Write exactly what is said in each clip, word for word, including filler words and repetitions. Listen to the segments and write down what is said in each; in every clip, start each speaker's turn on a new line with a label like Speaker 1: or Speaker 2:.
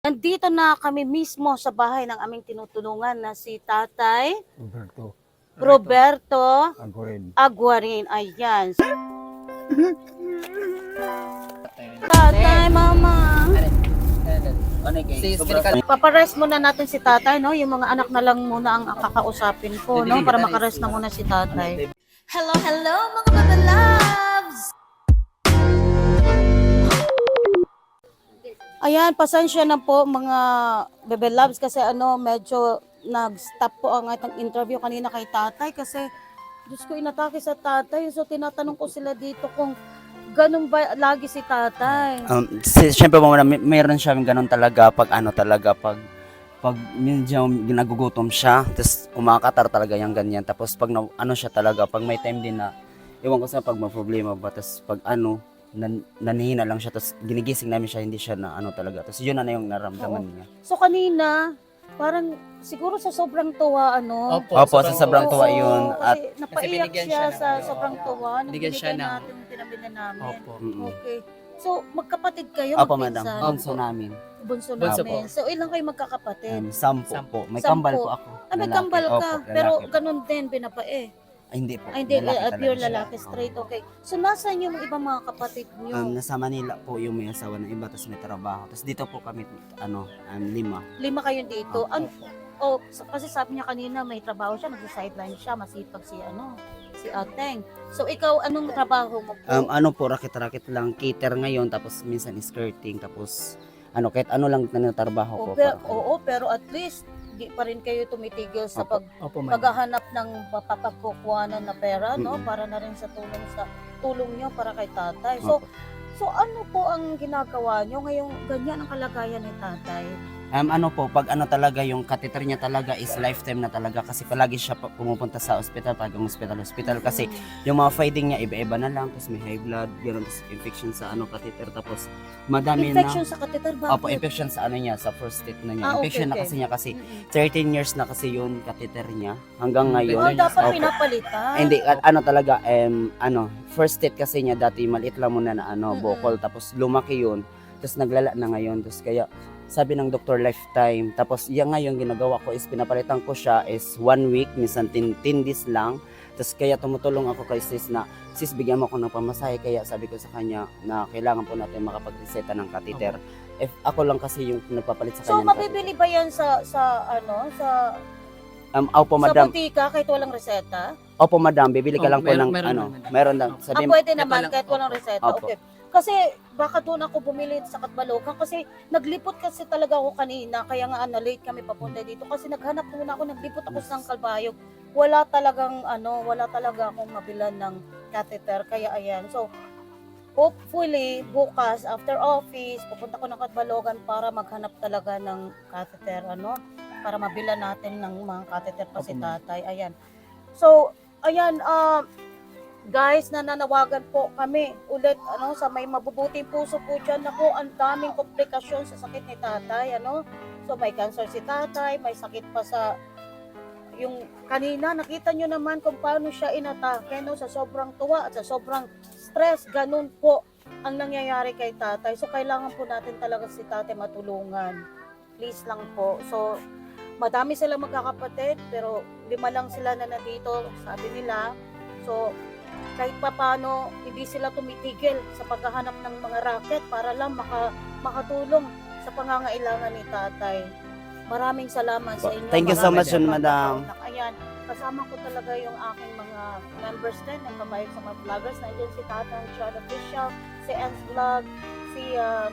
Speaker 1: Nandito na kami mismo sa bahay ng aming tinutulungan na si Tatay
Speaker 2: Roberto
Speaker 1: Roberto
Speaker 2: Agorin.
Speaker 1: Aguarin. Ayan. Tatay, mama. Paparest muna natin si Tatay, no? Yung mga anak na lang muna ang kakausapin ko, no? Para makarest na muna si Tatay. Hello, hello mga baba loves! Ayan, pasensya na po mga bebe loves kasi ano, medyo nag-stop po ang ating interview kanina kay Tatay kasi Diyos ko, inatake sa Tatay. So tinatanong ko sila dito kung ganun ba lagi si Tatay.
Speaker 3: Um, si, syempre po muna, may, mayroon siya ganun talaga pag ano talaga, pag pag medyo ginagugutom siya, tapos umakatar talaga yung ganyan. Tapos pag na, ano siya talaga, pag may time din na, iwan ko sa pag may problema ba, tapos pag ano, nan, nanihina lang siya, tapos ginigising namin siya, hindi siya na ano talaga. Tapos yun na, na yung naramdaman
Speaker 1: Oo.
Speaker 3: niya.
Speaker 1: So kanina, parang siguro sa sobrang tuwa, ano?
Speaker 4: Opo,
Speaker 3: Opo, sa sobrang
Speaker 1: Oo,
Speaker 3: tuwa yun. At
Speaker 1: Kasi napaiyak
Speaker 4: binigyan
Speaker 1: siya,
Speaker 4: siya
Speaker 1: sa
Speaker 4: ng-
Speaker 1: sobrang tuwa nung
Speaker 4: Binigyan siya
Speaker 1: binigyan
Speaker 4: ng-
Speaker 1: natin yung pinabili namin.
Speaker 4: Opo.
Speaker 3: mm,
Speaker 1: Okay. So, magkapatid kayo,
Speaker 3: opo madam,
Speaker 1: magpinsan?
Speaker 3: bunso namin.
Speaker 1: Bunso
Speaker 4: Bunso
Speaker 1: namin.
Speaker 4: po.
Speaker 1: So, ilang kayo magkakapatid?
Speaker 3: Um, sampo,
Speaker 4: Sampo.
Speaker 3: po. May
Speaker 1: Sampo.
Speaker 3: kambal po ako.
Speaker 1: ah, may
Speaker 3: lalaki.
Speaker 1: kambal ka.
Speaker 3: Opo,
Speaker 1: Pero
Speaker 3: lalaki.
Speaker 1: ganun din, binapae.
Speaker 3: Ay, hindi po.
Speaker 1: Ay, hindi,
Speaker 3: Lalaki
Speaker 1: uh,
Speaker 3: talaga
Speaker 1: pure
Speaker 3: siya.
Speaker 1: lalaki,
Speaker 3: Opo.
Speaker 1: straight, okay. So, nasaan yung ibang mga kapatid niyo?
Speaker 3: Um, nasa Manila po yung may asawa ng iba, tapos may trabaho. Tapos dito po kami, ano, um, lima.
Speaker 1: Lima kayo dito.
Speaker 3: Opo.
Speaker 1: Ano, oh, sa- kasi sabi niya kanina may trabaho siya, nag-sideline siya, masipag si ano, si Ateng. So, ikaw, anong trabaho mo po?
Speaker 3: Um, ano po, rakit-rakit lang, cater ngayon, tapos minsan skirting, tapos ano, kahit ano lang na trabaho ko.
Speaker 1: Oo, pero,
Speaker 3: para-
Speaker 1: oo, pero at least, di pa rin kayo tumitigil sa
Speaker 3: Opo.
Speaker 1: pag,
Speaker 4: Opo, madam.
Speaker 1: paghahanap ng mapapagkukuhanan na pera, no?
Speaker 3: Mm-mm.
Speaker 1: Para na rin sa tulong sa tulong niyo para kay tatay. So,
Speaker 3: Opo.
Speaker 1: so ano po ang ginagawa niyo ngayong ganyan ang kalagayan ni tatay?
Speaker 3: Um, ano po, pag ano talaga, yung catheter niya talaga is lifetime na talaga kasi palagi siya pa- pumupunta sa ospital, pag hospital, hospital kasi yung mga finding niya iba-iba na lang, tapos may high blood, gano'n, tapos infection sa ano catheter, tapos madami
Speaker 1: Infection
Speaker 3: na.
Speaker 1: sa catheter, bakit?
Speaker 3: Opo, infection sa ano niya, sa first state na niya.
Speaker 1: Ah, okay,
Speaker 3: infection na
Speaker 1: okay.
Speaker 3: kasi niya kasi
Speaker 1: Mm-mm.
Speaker 3: thirteen years na kasi yun catheter niya hanggang ngayon.
Speaker 1: Oh, dapat
Speaker 3: Opo.
Speaker 1: pinapalitan.
Speaker 3: Hindi, at ano talaga, um, ano, first state kasi niya dati maliit lang muna na ano,
Speaker 1: Mm-mm.
Speaker 3: bokol, tapos lumaki yun, tapos naglala na ngayon, tapos kaya sabi ng doktor lifetime, tapos yan ngayon ginagawa ko is pinapalitan ko siya is one week, minsan ten days lang, tapos kaya tumutulong ako kay sis na, sis bigyan mo ako ng pamasahe, kaya sabi ko sa kanya na kailangan po natin makapag-reseta ng catheter. If ako lang kasi yung nagpapalit sa
Speaker 1: So,
Speaker 3: kanya ng
Speaker 1: mabibili ba yan sa, sa ano, sa,
Speaker 3: catheter. Um, opo
Speaker 1: sa
Speaker 3: madam,
Speaker 1: butika kahit walang reseta?
Speaker 3: opo madam, bibili ka
Speaker 4: Oh,
Speaker 3: lang po
Speaker 4: meron-
Speaker 3: ng
Speaker 4: meron
Speaker 3: ano,
Speaker 4: naman.
Speaker 3: meron lang,
Speaker 1: Ah,
Speaker 3: sabi
Speaker 1: pwede
Speaker 4: ito
Speaker 1: naman
Speaker 4: lang,
Speaker 1: kahit walang
Speaker 4: opo.
Speaker 1: reseta.
Speaker 3: Opo.
Speaker 1: Okay. Kasi baka doon ako bumili sa Katbalokan kasi naglipot kasi talaga ako kanina kaya nga ano, late kami papunta dito kasi naghanap muna ako, naglipot ako sa Kalbayog. Wala talagang ano, wala talaga akong mabilan ng catheter kaya ayan. So hopefully bukas after office pupunta ko ng Katbalogan para maghanap talaga ng catheter ano, para mabilan natin ng mga catheter pa si
Speaker 3: Opo, ma'am.
Speaker 1: tatay. Ayan. So ayan, ah guys, nananawagan po kami ulit ano sa may mabubuting puso po dyan. Ako, ang daming komplikasyon sa sakit ni tatay. Ano? So may cancer si tatay, may sakit pa sa yung kanina. Nakita nyo naman kung paano siya inatake no? Sa sobrang tuwa at sa sobrang stress. Ganun po ang nangyayari kay tatay. So kailangan po natin talaga si tatay matulungan. Please lang po. So madami silang magkakapatid pero lima lang sila na nandito, sabi nila. So kahit pa paano, hindi sila tumitigil sa paghahanap ng mga racket para lang maka, makatulong sa pangangailangan ni tatay. Maraming salamat sa inyo.
Speaker 3: Thank you so
Speaker 1: Maraming
Speaker 3: much,
Speaker 1: salamat,
Speaker 3: madam.
Speaker 1: Kaunak. Ayan, kasama ko talaga yung aking mga members din, ng kamayag sa mga vloggers. Nandiyan si Tatang Chad Official, si Ens Vlog, si uh,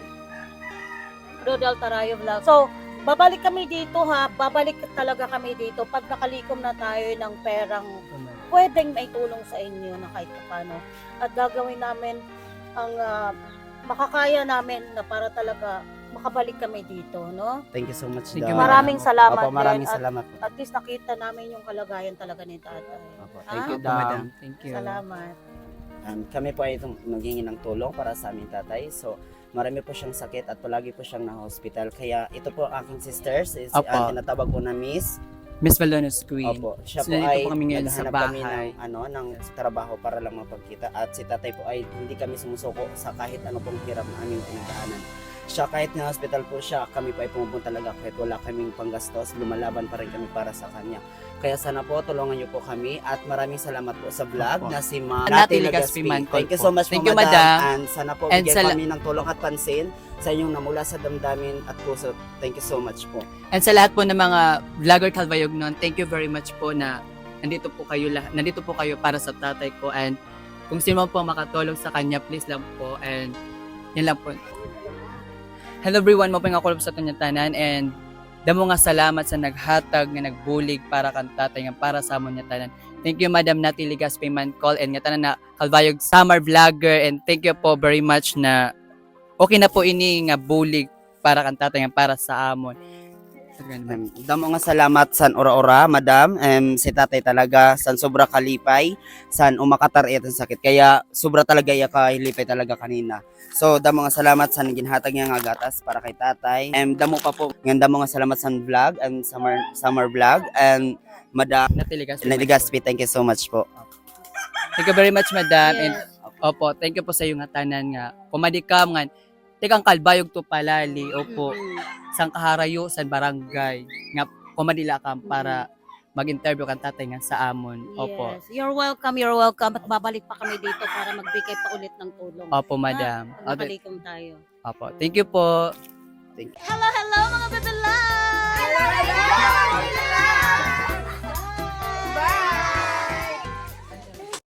Speaker 1: Rodel Tarayo Vlog. So, babalik kami dito ha, babalik talaga kami dito pag nakalikom na tayo ng perang pwedeng may tulong sa inyo na kahit paano. At gagawin namin ang ah, makakaya namin na para talaga makabalik kami dito, no?
Speaker 3: Thank you so much.
Speaker 4: Thank
Speaker 3: Dam.
Speaker 4: you,
Speaker 1: Maraming salamat
Speaker 3: Opo, maraming
Speaker 1: din. At,
Speaker 3: salamat po.
Speaker 1: at least nakita namin yung kalagayan talaga ni tatay.
Speaker 3: Opo,
Speaker 1: Ah,
Speaker 3: thank you,
Speaker 4: Opo,
Speaker 3: Dam.
Speaker 4: madam. Thank you.
Speaker 1: Salamat.
Speaker 3: Um, kami po ay itong naghingi ng tulong para sa aming tatay. So, marami po siyang sakit at palagi po siyang na-hospital. Kaya ito po ang aking sisters. Is,
Speaker 4: Opo.
Speaker 3: ang tinatawag po na Miss.
Speaker 4: Miss Valones Queen.
Speaker 3: Opo. Siya
Speaker 4: So,
Speaker 3: po
Speaker 4: nandito
Speaker 3: ay
Speaker 4: po kami ngayon sa
Speaker 3: naghahanap kami
Speaker 4: bahay.
Speaker 3: ng, ano, ng trabaho para lang mapagkita. At si tatay po ay hindi kami sumusuko sa kahit ano pong hirap na aming pinagdaanan. siya kahit na hospital po siya, kami pa ay pumupunta talaga kahit wala kaming panggastos, lumalaban pa rin kami para sa kanya. Kaya sana po tulungan niyo po kami at maraming salamat po sa vlog
Speaker 2: Opo.
Speaker 3: na si Ma'am
Speaker 2: Nati
Speaker 3: Nati
Speaker 2: Legaspi
Speaker 3: Legaspi.
Speaker 2: Mancol
Speaker 3: Thank you
Speaker 2: po.
Speaker 3: so much
Speaker 2: Thank
Speaker 3: po,
Speaker 2: you,
Speaker 3: madam.
Speaker 2: madam.
Speaker 3: And sana po
Speaker 2: And
Speaker 3: bigyan
Speaker 2: sala-
Speaker 3: kami ng tulong at pansin sa inyong namula sa damdamin at puso. Thank you so much po.
Speaker 2: And sa lahat po ng mga vlogger Calbayognon, thank you very much po na nandito po kayo lahat, nandito po kayo para sa tatay ko, and kung sino man po makatulong sa kanya, please lang po, and yun lang po. Hello everyone, mo nga kulog sa kanya tanan, and damo nga salamat sa naghatag nga nagbulig para kan tatay nga para sa amon niya tanan. Thank you Madam Nati Legaspi Mancol and nga tanan na Calbayog summer vlogger, and thank you po very much na okay na po ini nga bulig para kan tatay nga para sa amon.
Speaker 3: Um, damo nga salamat san ora-ora, madam. Um, si tatay talaga san sobra kalipay, san umakatariat ang sakit. Kaya sobra talaga iya ka hilipay talaga kanina. So damo nga salamat san ginhatag niya nga gatas para kay tatay. Um, damo pa po nga damo nga salamat san vlog and summer summer vlog and madam
Speaker 2: Nati Legaspi.
Speaker 3: Nati Legaspi. Thank you so much po.
Speaker 2: Thank you very much, madam. And
Speaker 1: Yes.
Speaker 2: opo, thank you po sa iyo nga tanan nga. Kumadikam nga tikang Calbayog to palali. Opo,
Speaker 1: Mm-mm.
Speaker 2: sang kaharayo sa barangay nga kumadila kam para mag-interview kan tatay nga sa amon. Opo.
Speaker 1: Yes. You're welcome, you're welcome. At babalik pa kami dito para magbigay pa ulit ng tulong.
Speaker 2: Opo, madam.
Speaker 1: Pag
Speaker 2: Opo,
Speaker 1: nakalikom tayo.
Speaker 2: opo. Thank you po.
Speaker 1: Hello, hello mga bebe love!